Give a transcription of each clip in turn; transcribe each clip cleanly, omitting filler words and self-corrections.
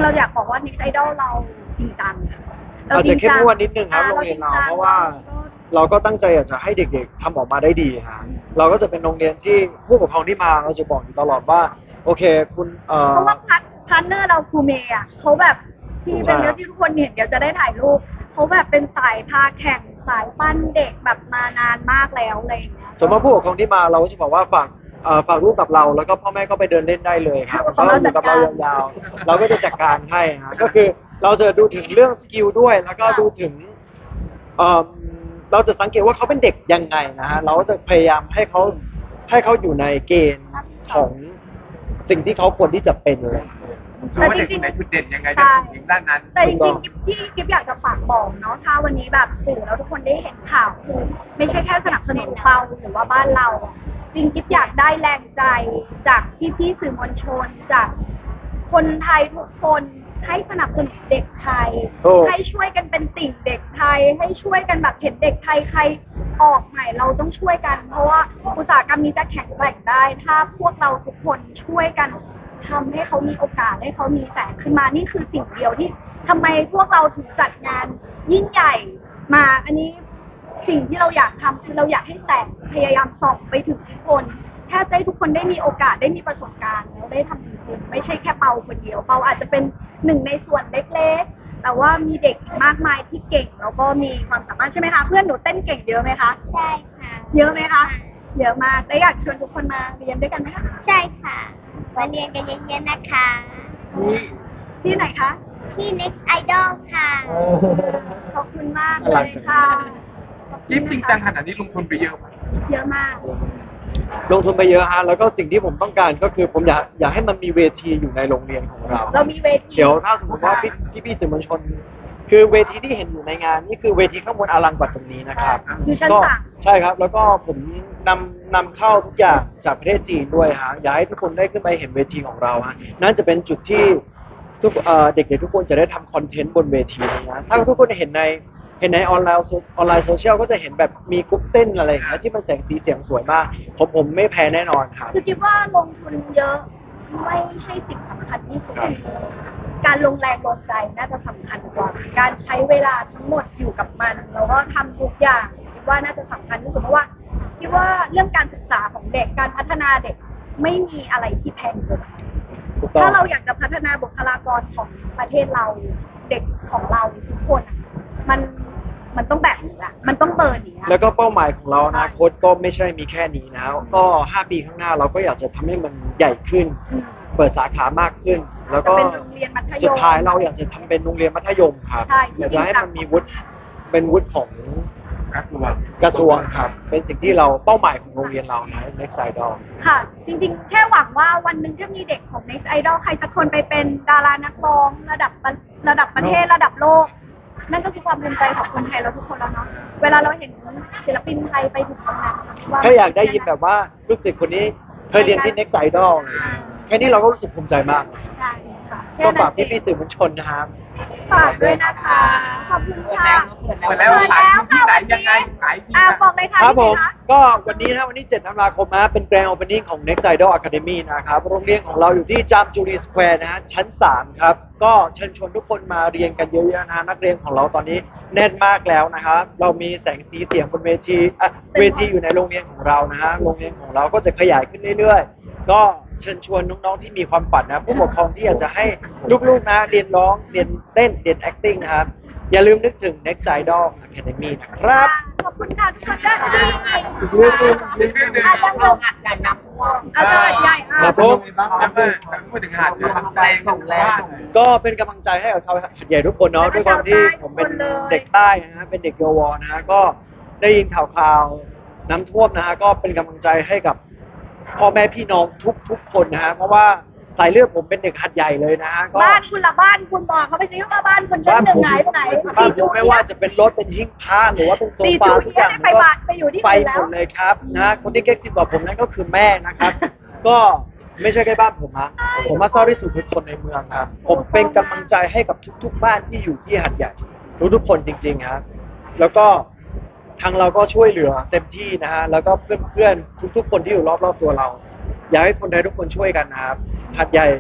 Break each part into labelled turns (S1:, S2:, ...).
S1: ๆเราอยากบอกว่า Next Idol เราจริงจัง
S2: อาจจะเข้มงวดนิดนึงครับโรงเรียนเราเพราะว่าเราก็ตั้งใจอยากจะให้เด็กๆทำออกมาได้ดีฮะเราก็จะเป็นโรงเรียนที่ผู้ปกครองที่มาเราจะบอกอยู่ตลอดว่าโอเคคุณ
S1: เพราะว่าพาร์ทเนอร์เราครูเมย์อ่ะเขาแบบที่เป็นเนื้อที่ทุกคนเห็นเดี๋ยวจะได้ถ่ายรูปเขาแบบเป็นสายพาแข่งสายปั้นเด็กแบบมานานมากแล้วอะไรอย่างเงี้ย
S2: สมมติผู้ปกครองที่มาเราก็จะบอกว่าฝากลูกกับเราแล้วก็พ่อแม่ก็ไปเดินเล่นได้เลยครับเขาอยู่กับเรายาวๆเราก็จะจัดการให้ฮะก็คือเราจะดูถึงเรื่องสกิลด้วยแล้วก็ดูถึงเราจะสังเกตว่าเขาเป็นเด็กยังไงนะฮะเราจะพยายามให้เขาอยู่ในเกณฑ์ของสิ่งที่เขาควรที่จะเป็นเลย
S3: แต่จริงๆในจุดเด่นยังไงจะถึงด้านนั้น
S1: แต่จริงๆที่กิ๊บอยากจะฝากบอกเนาะถ้าวันนี้แบบสื่อแล้วทุกคนได้เห็นข่าวคือไม่ใช่แค่สนับสนุนเราหรือว่าบ้านเราจริงกิ๊บอยากได้แรงใจจากพี่ๆสื่อมวลชนจากคนไทยทุกคนให้สนับสนุนเด็กไทยให้ช่วยกันเป็นติ่งเด็กไทยให้ช่วยกันแบบเห็นเด็กไทยใครออกใหม่เราต้องช่วยกันเพราะว่าอุตสาหกรรมนี้จะแข็งแกร่งได้ถ้าพวกเราทุกคนช่วยกันทำให้เขามีโอกาสให้เขามีแสงขึ้นมานี่คือสิ่งเดียวที่ทำไมพวกเราถึงจัดงานยิ่งใหญ่มาอันนี้สิ่งที่เราอยากทำคือเราอยากให้แสงพยายามส่องไปถึงทุกคนแค่ให้ทุกคนได้มีโอกาสได้มีประสบการณ์แล้วได้ทำจริงๆไม่ใช่แค่เปาคนเดียวเปาอาจจะเป็นหนึ่งในส่วนเล็กๆแต่ว่ามีเด็กอีกมากมายที่เก่งแล้วก็มีความสามารถใช่ไหมคะเพื่อนหนูเต้นเก่งเยอะไหมคะ
S4: ใช่ค่ะ
S1: เยอะไหมคะเยอะมากและอยากชวนทุกคนมาเรียนด้วยกันไหมคะ
S4: ใช่ค่ะมาเรียนกันเยอะๆนะคะ
S1: ที่ไหนคะ
S4: ที่ Next Idol ค่ะ
S1: ขอบคุณมากเลยค่ะ
S3: กิ๊บจริงจังขนาดนี้ลงทุนไปเยอะไหม
S1: เยอะมาก
S2: ลงทุนไปเยอะฮะแล้วก็สิ่งที่ผมต้องการก็คือผมอยากให้มันมีเวทีอยู่ในโรงเรียนของเรา
S1: เรามีเวที
S2: เดี๋ยวถ้าสมมติว่าพี่สื่อมวลชนคือเวทีที่เห็นอยู่ในงานนี่คือเวทีข้างบนอลังกว่าตรงนี้นะครับ
S1: อยู่ชั้นสาม
S2: ใช่ครับแล้วก็ผมนำเข้าทุกอย่างจากประเทศจีนด้วยฮะอยากให้ทุกคนได้ขึ้นไปเห็นเวทีของเราฮะนั่นจะเป็นจุดที่เด็กๆทุกคนจะได้ทำคอนเทนต์บนเวทีนะถ้าทุกคนเห็นในออนไลน์โซเชียลก็จะเห็นแบบมีกรุ๊ปเต้นอะไรอย่างเงี้ยที่มันแสงสีเสียงสวยมากผมไม่แพ้แน่นอนครับ
S1: คือคิดว่าลงทุนเยอะไม่ใช่สิ่งสำคัญที่สุดการลงแรงลงใจน่าจะสำคัญกว่าการใช้เวลาทั้งหมดอยู่กับมันแล้วก็ทำทุกอย่างคิดว่าน่าจะสำคัญที่สุดเพราะว่าคิดว่าเรื่องการศึกษาของเด็กการพัฒนาเด็กไม่มีอะไรที่แพงเกินถ้าเราอยากจะพัฒนาบุคลากรของประเทศเราเด็กของเราทุกคนมันต้องแบบนี้ละมันต้องเบิร์นนี้
S2: แล้วก็เป้าหมายของเรานะโค้ชก็ไม่ใช่มีแค่นี้นะก็5 ปีข้างหน้าเราก็อยากจะทำให้มันใหญ่ขึ้นเปิดสาขามากขึ้นแล้วก็สุดท้ายเราอยากจะทำเป็นโรงเรียนมัธยมครับอยากจะให้มันมีวุฒิเป็นวุฒิของกระทรวงครับเป็นสิ่งที่เราเป้าหมายของโรงเรียนเรานะ Next Idol
S1: ค่ะจริงๆแค่หวังว่าวันหนึ่งถ้ามีเด็กของ Next Idol ใครสักคนไปเป็นดารานักร้องระดับประเทศระดับโลกนั่นก็คือความภูมิใจของคนไทยเราทุกคนแล้วเนาะเวลาเราเห็นศิลปินไทยไปถึงตรงนั้น
S2: ถ้าอยากได้ยินแบบว่าลูกศิษย์คนนี้เคยเรียนที่ Next Idol แค่นี้เราก็รู้สึกภูมิใจมาก
S1: ใช่ค่ะ
S2: ก็ฝากพี่ๆสื่อมวลชนนะครับ
S1: ฝากด้วยนะคะขอบคุณค่ะ
S3: เปิดแล้วขายที่ไหนยังไไงขายที่
S1: บอกเลยค่ะ
S2: ครับผมก็วันนี้นะวันนี้7 ธันวาคมนะเป็นแกรนด์โอเพนนิ่งของ Next Idol Academy นะครับโรงเรียนของเราอยู่ที่จามจุรีสแควร์นะฮะชั้น3ครับก็เชิญชวนทุกคนมาเรียนกันเยอะๆนะนักเรียนของเราตอนนี้แน่นมากแล้วนะครับเรามีแสงสีเสียงบนเวทีอยู่ในโรงเรียนของเรานะฮะโรงเรียนของเราก็จะขยายขึ้นเรื่อยๆก็เชิญชวนน้องๆที่มีความฝันนะผู้ปกครองที่อยากจะให้ลูกๆนะเรียนร้องเรียนเต้นเรียน acting นะครับอย่าลืมนึกถึง Next Idol Academy นะครับ
S1: ขอบคุณค่ะทุกคนด้วย
S2: อีกเรื่องนึง
S1: อาจารย์ลงอัดใหญ่นะอาจารย์ใหญ่
S2: ครับผม
S3: พูดถึงหาดกำลังใจของแรง
S2: ก็เป็นกำลังใจให้กับชาวหาดใหญ่ทุกคนเนาะด้วยความที่ผมเป็นเด็กใต้นะฮะเป็นเด็กเยาวรนะฮะก็ได้ยินข่าวน้ำท่วมนะฮะก็เป็นกำลังใจให้กับพ่อแม่พี่น้องทุกคนนะฮะเพราะว่าสายเลือดผมเป็นเด็กหัดใหญ่เลยนะฮะ
S1: บ้านคุณละบ้านคุณบอกเขาไปซิว่าบ้านคุณชั้นหนึ่งไหน
S2: บ้านผมไม่ว่าจะเป็นรถเป็นหิ้งพระหรือว่าเป็นโซฟาทุกอย่างก็ไปหมดเลยครับนะคนที่เก๊กซิบบอกผมนั่นก็คือแม่นะครับก็ไม่ใช่แค่บ้านผมนะผมมาเศร้าที่สุดทุกคนในเมืองครับผมเป็นกำลังใจให้กับทุกๆบ้านที่อยู่ที่หัดใหญ่ทุกคนจริงๆครับแล้วก็ทางเราก็ช่วยเหลือเต็มที่นะฮะแล้วก็เพื่อนๆทุกๆคนที่อยู่รอบๆตัวเราอยากให้คนไทยทุกคนช่วยกันนะครับหัดใหญ่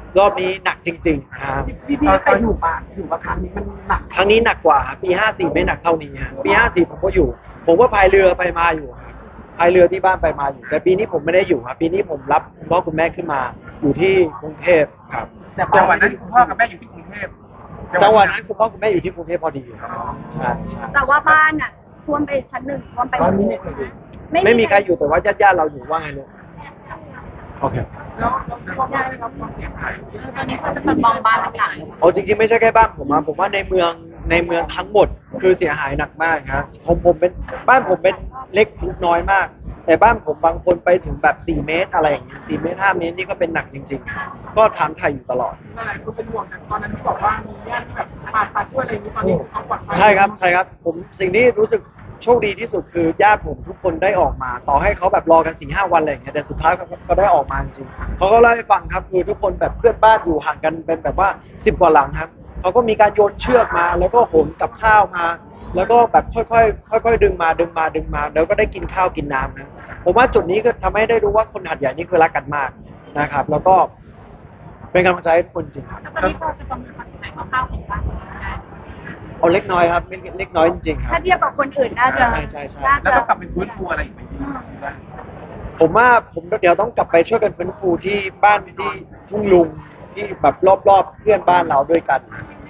S2: รอบนี้หนักจริงๆนะครับ
S5: พี่เคยอยู่มาครั้งนี้มันหนัก
S2: ครั้งนี้หนักกว่าครับปี 54 ไม่หนักเท่านี้ฮะปี 54 ผมก็อยู่ ผมก็พายเรือไปมาอยู่ครับพายเรือที่บ้านไปมาอยู่ แต่ปีนี้ผมไม่ได้อยู่ครับปีนี้ผมรับคุณพ่อคุณแม่ขึ้นมาอยู่ที่กรุงเทพครับ
S5: แต่
S3: จังหวัดนั้นคุณพ่อกับแม่อยู่ที่กรุงเทพ
S2: จังหวัดนั้นคุณพ่อคุณแม่อยู่ที่กรุงเทพพอดีครับใช่ใช่
S1: แต่ว่าบ้านอ่ะท่วมไปชั้นหนึ่งท่วมไป
S5: ตอนนี้ไม่เคย
S2: ไม่มีใครอยู่แต่ว่าญาติๆเราอยู่ว่าไงลูกโอเค
S3: แล้วพ่อแม่ได้รับความเสียหาย
S6: ตอนนี้เขาจะมองบ้านทุกอย่าง
S2: เอาจริงๆไม่ใช่แค่บ้านผมว่าในเมืองทั้งหมดคือเสียหายหนักมากครับผมเป็นบ้านผมเป็นเล็กน้อยมาก แต่บ้านผมบางคนไปถึงแบบ4 เมตรอะไรอย่างเงี้ย4 เมตร 5 เมตรนี่ก็เป็นหนักจริง ๆ ก็ถามไทยอยู่ตลอด
S3: หลายคนเป็นห่วงแต่ตอนนั้นที่บอกว่ามีญาติแบบผ่าตัดด้วยอะไรอย่างนี้ตอนนี้เขาปลอดภัย
S2: ใช่ครับผมสิ่งที่รู้สึกโชคดีที่สุดคือญาติผมทุกคนได้ออกมา ต่อให้เขาแบบรอกัน4-5 วันอะไรอย่างเงี้ยแต่สุดท้ายเขาก็ได้ออกมาจริงๆเขาก็เล่าให้ฟังครับคือทุกคนแบบเพื่อนบ้านอยู่ห่างกันเป็นแบบว่า10 กว่าหลังครับเขาก็มีการโยนเชือกมาแล้วก็โหนกับข้าวมา แล้วก็แบบค่อยๆดึงมาแล้วก็ได้กินข้าวกินน้ำนะผมว่าจุดนี้ก็ทำให้ได้รู้ว่าคนหัดใหญ่นี่คือรักกันมากนะครับ แล้วก็เป็นกำลังใจให้ทุกคนจริงครับ
S6: ตอนนี้พอจะประเมินความเสียหายคร่าวๆของบ้านได้
S2: เอาเล็กน้อยครับเล็กน้อยจริงๆครั
S1: ถ้า
S2: บ
S1: เทียบกับคนอื่นน่าจะ
S2: ใช่
S1: น่า
S3: แล้ว
S1: จะ
S3: ต้องกลับไปฟื้นฟูอะไรอีกไหม
S2: ผมว่าผมเดี๋ยวต้องกลับไปช่วยกันฟื้นฟูที่บ้านที่ทุ่งลุงที่แบบรอบๆเพื่อนบ้านเราด้วยกัน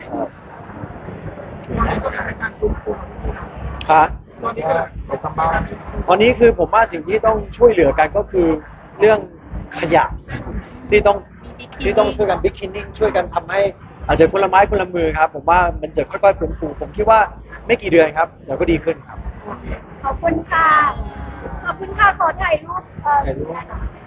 S2: ครับ
S3: ตอนนี้ก็ไปทำบ้าน
S2: ตอนนี้คือผมว่าสิ่งที่ต้องช่วยเหลือกันก็คือเรื่องขยะที่ต้องช่วยกันบิ๊กคินนิ่งช่วยกันทำให้อาจจะคนละไม้คนละมือครับ ผมว่ามันจะค่อยๆฟื้นฟูผมคิดว่าไม่กี่เดือนครับเดี๋ยวก็ดีขึ้นครับ
S1: ขอบคุณค่ะ ขอบคุณค่ะ ขอถ่ายรูป
S2: ถ่ายรูป